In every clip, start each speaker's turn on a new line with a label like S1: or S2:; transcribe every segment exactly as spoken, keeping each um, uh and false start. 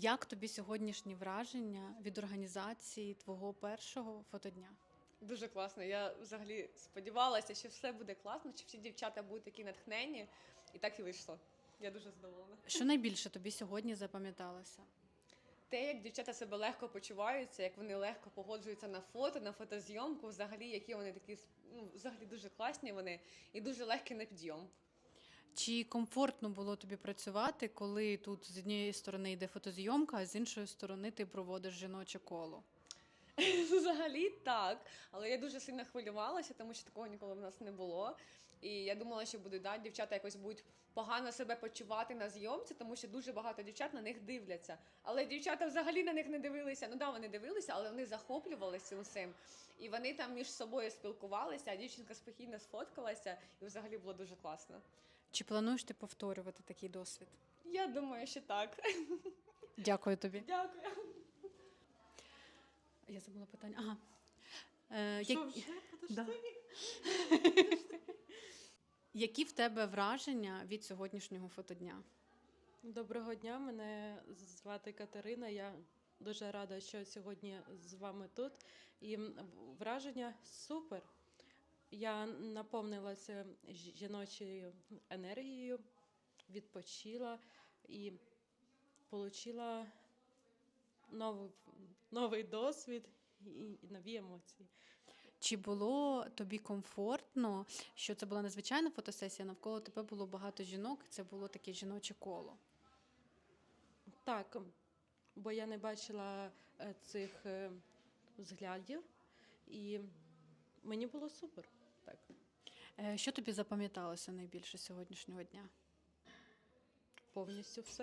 S1: Як тобі сьогоднішні враження від організації твого першого фотодня?
S2: Дуже класно. Я взагалі сподівалася, що все буде класно, що всі дівчата будуть такі натхненні, і так і вийшло. Я дуже задоволена.
S1: Що найбільше тобі сьогодні запам'яталося?
S2: Те, як дівчата себе легко почуваються, як вони легко погоджуються на фото, на фотозйомку, взагалі, які вони такі, ну, взагалі дуже класні вони і дуже легкі на підйом.
S1: Чи комфортно було тобі працювати, коли тут з однієї сторони йде фотозйомка, а з іншої сторони ти проводиш жіноче коло?
S2: Взагалі так, але я дуже сильно хвилювалася, тому що такого ніколи в нас не було. І я думала, що будуть, да, дівчата якось будуть погано себе почувати на зйомці, тому що дуже багато дівчат на них дивляться. Але дівчата взагалі на них не дивилися. Ну да, вони дивилися, але вони захоплювалися цим всім. І вони там між собою спілкувалися, а дівчинка спокійно сфоткалася, і взагалі було дуже класно.
S1: Чи плануєш ти повторювати такий досвід?
S2: Я думаю, що так.
S1: Дякую тобі.
S2: Дякую.
S1: Я забула питання. Ага. Е,
S2: Що
S1: як-
S2: вже?
S1: Да. Які в тебе враження від сьогоднішнього фотодня?
S3: Доброго дня, мене звати Катерина. Я дуже рада, що сьогодні з вами тут. І м, враження супер. Я наповнилася жіночою енергією, відпочила і отримала новий, новий досвід і, і нові емоції.
S1: Чи було тобі комфортно, що це була незвичайна фотосесія, навколо тебе було багато жінок, це було таке жіноче коло?
S3: Так, бо я не бачила е, цих е, взглядів, і мені було супер. Так.
S1: Е, Що тобі запам'яталося найбільше сьогоднішнього дня?
S3: Повністю все.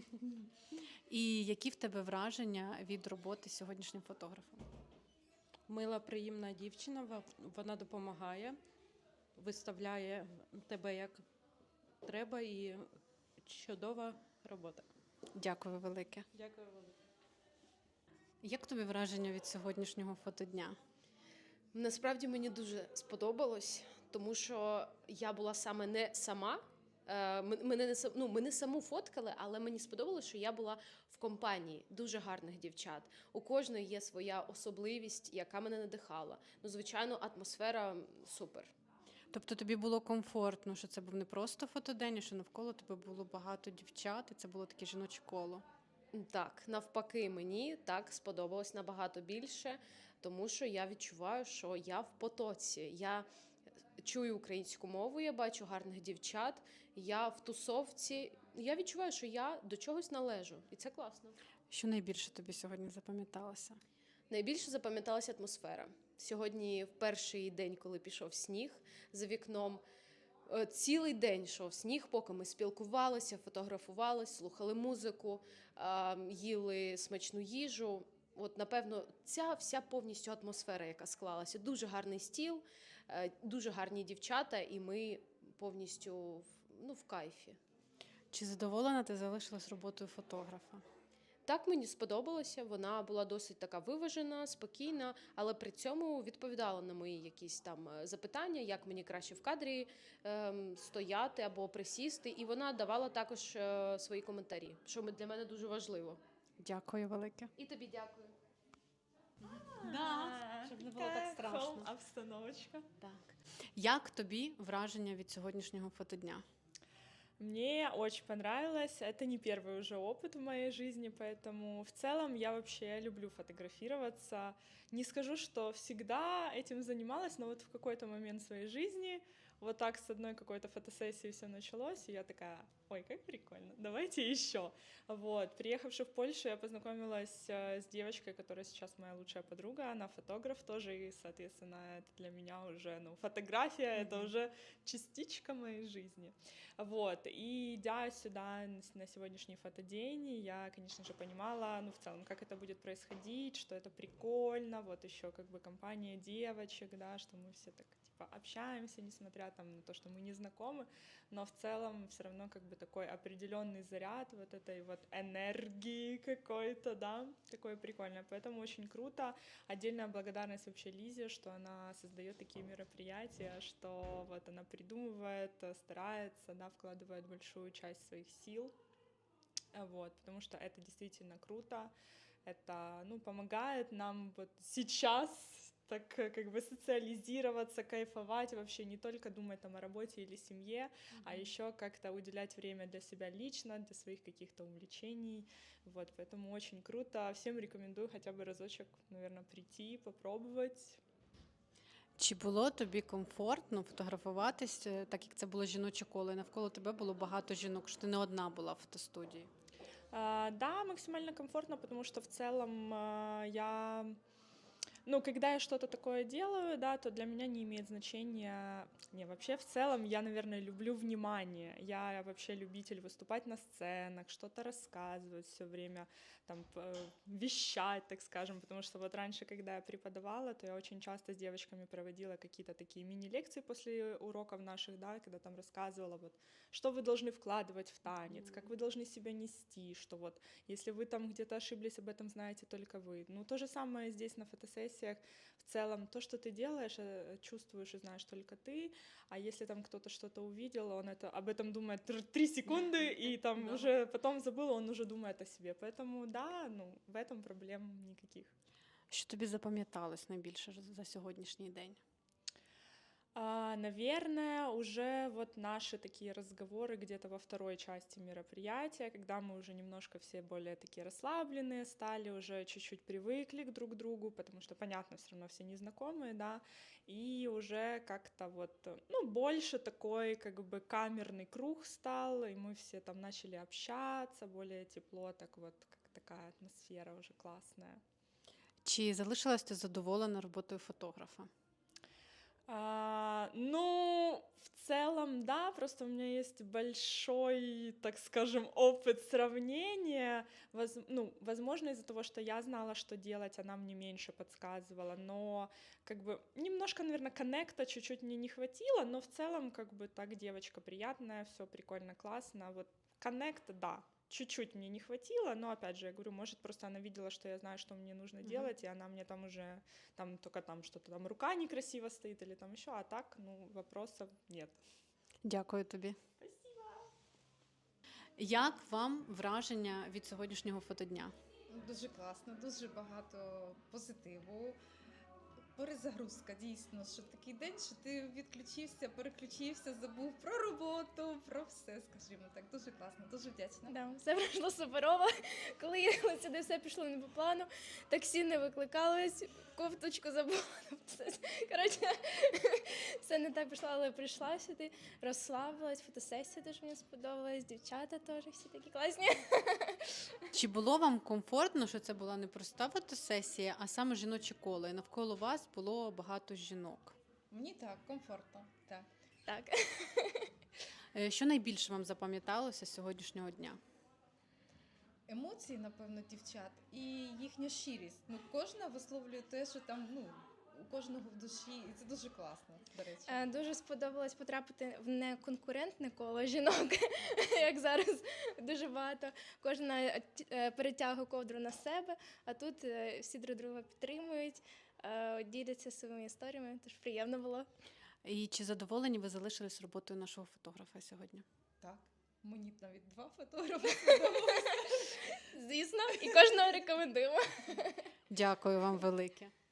S1: І які в тебе враження від роботи з сьогоднішнім фотографом?
S3: Мила, приємна дівчина, ва- вона допомагає, виставляє тебе як треба, і чудова робота.
S1: Дякую велике.
S3: Дякую велике.
S1: Як тобі враження від сьогоднішнього фотодня?
S4: Насправді мені дуже сподобалось, тому що я була саме не сама. Е, м- Мене не сам- ну, мене саму фоткали, але мені сподобалось, що я була в компанії дуже гарних дівчат. У кожної є своя особливість, яка мене надихала. Ну, звичайно, атмосфера супер.
S1: Тобто тобі було комфортно, що це був не просто фотодень, а що навколо тебе було багато дівчат, і це було таке жіноче коло.
S4: Так, навпаки, мені так сподобалось набагато більше, тому що я відчуваю, що я в потоці. Я чую українську мову, я бачу гарних дівчат, я в тусовці. Я відчуваю, що я до чогось належу, і це класно.
S1: Що найбільше тобі сьогодні запам'яталося?
S4: Найбільше запам'яталася атмосфера. Сьогодні, в перший день, коли пішов сніг, за вікном е, цілий день йшов сніг, поки ми спілкувалися, фотографувалися, слухали музику, е, їли смачну їжу. От, напевно, ця вся повністю атмосфера, яка склалася. Дуже гарний стіл, е, дуже гарні дівчата, і ми повністю в- ну, в кайфі.
S1: Чи задоволена ти залишилась роботою фотографа?
S4: Так, мені сподобалося, вона була досить така виважена, спокійна, але при цьому відповідала на мої якісь там е, запитання, як мені краще в кадрі ем, стояти або присісти. І вона давала також е, свої коментарі, що ми- для мене дуже важливо.
S1: Дякую велике.
S4: І тобі дякую.
S1: Да, щоб не було так страшно.
S5: Обстановочка.
S1: Так. Як тобі враження від сьогоднішнього фотодня?
S5: Мне очень понравилось. Это не первый уже опыт в моей жизни, поэтому в целом я вообще люблю фотографироваться. Не скажу, что всегда этим занималась, но вот в какой-то момент своей жизни вот так с одной какой-то фотосессии все началось, и я такая: ой, как прикольно, давайте еще. Вот, приехавши в Польшу, я познакомилась э, с девочкой, которая сейчас моя лучшая подруга, она фотограф тоже, и, соответственно, это для меня уже, ну, фотография, это уже частичка моей жизни. Вот, и идя сюда н- на сегодняшний фотодень, я, конечно же, понимала, ну, в целом, как это будет происходить, что это прикольно, вот еще как бы компания девочек, да, что мы все так, типа, общаемся, несмотря там на то, что мы не знакомы, но в целом все равно как бы такой определенный заряд вот этой вот энергии какой-то, да, такое прикольное, поэтому очень круто. Отдельная благодарность вообще Лизе, что она создает такие мероприятия, что вот она придумывает, старается, да, вкладывает большую часть своих сил А, Вот, потому что это действительно круто, это, ну, помогает нам вот сейчас так э, как бы социализироваться, кайфовать, вообще не только думать там о работе или семье, а еще как-то уделять время для себя лично, для своих каких-то увлечений, вот, поэтому очень круто, всем рекомендую хотя бы разочек, наверное, прийти, попробовать.
S1: Чи було тобі комфортно фотографуватись, е, так як це було жіноче коло, і навколо тебе було багато жінок, що ти не одна була в фотостудії?
S5: А, Да, максимально комфортно, потому что в целом а, я, ну, когда я что-то такое делаю, да, то для меня не имеет значения, не, вообще в целом я, наверное, люблю внимание, я вообще любитель выступать на сценах, что-то рассказывать все время, там, п- вещать, так скажем, потому что вот раньше, когда я преподавала, то я очень часто с девочками проводила какие-то такие мини-лекции после уроков наших, да, когда там рассказывала, вот, что вы должны вкладывать в танец, как вы должны себя нести, что вот, если вы там где-то ошиблись, об этом знаете только вы. Ну, то же самое здесь на фотосессиях. В целом, то, что ты делаешь, э, чувствуешь и знаешь только ты, а если там кто-то что-то увидел, он это, об этом думает тр- три секунды, и там
S1: Да.
S5: уже потом забыл, он уже думает о себе. Поэтому, да, ну, в этом проблем никаких.
S1: Що тобі запам'яталось найбільше за сьогоднішній день?
S5: А, Наверное, уже вот наши такие разговоры где-то во второй части мероприятия, когда мы уже немножко все более такие расслабленные стали, уже чуть-чуть привыкли к друг другу, потому что, понятно, все равно все незнакомые, да, и уже как-то вот, э, ну, больше такой как бы камерный круг стал, и мы все там начали общаться более тепло, так вот, как такая атмосфера уже классная.
S1: Чи залишилась ти задоволена роботою фотографа?
S5: А, ну, в целом, да, просто у меня есть большой, так скажем, опыт сравнения. Воз- ну, возможно, из-за того, что я знала, что делать, она мне меньше подсказывала, но как бы немножко, наверное, коннекта чуть-чуть мне не хватило, но в целом, как бы так, девочка приятная, все прикольно, классно. Вот коннекта, да, чуть-чуть мне не хватило, но опять же, я говорю, может, просто она видела, что я знаю, что мне нужно
S1: Мгм.
S5: делать, и она мне там уже там только там что-то там рука некрасиво стоит или там еще, а так, ну, вопросов нет.
S1: Дякую тобі. Як вам враження від сьогоднішнього фотодня?
S6: Дуже класно, дуже багато позитиву. Перезагрузка, дійсно, що такий день, що ти відключився, переключився, забув про роботу, про все, скажімо так. Дуже класно, дуже вдячна.
S7: Да, все пройшло суперово. Коли їхали сюди, все пішло не по плану. Таксі не викликалось, кофточку забула. Все- Коротше, все не так пішло, але прийшла сюди, розслабилась, фотосесія дуже мені сподобалась, дівчата теж всі такі класні.
S1: Чи було вам комфортно, що це була не проста фотосесія, а саме жіноче коло, і навколо вас було багато жінок?
S6: Мені так, комфортно. Так.
S7: Так.
S1: Е, Що найбільше вам запам'яталося з сьогоднішнього дня?
S6: Емоції, напевно, дівчат і їхня щирість. Ну, кожна висловлює те, що там, ну, у кожного в душі, і це дуже класно, до речі.
S7: Е, Дуже сподобалось потрапити в неконкурентне коло жінок, як зараз дуже багато. Кожна е, перетягує ковдру на себе, а тут е, всі друг друга підтримують, е, діляться своїми історіями, тож приємно було.
S1: І чи задоволені ви залишились роботою нашого фотографа сьогодні?
S6: Так. Мені навіть два фотографи сподобалося.
S7: Звісно, і кожного рекомендуємо.
S1: Дякую вам велике.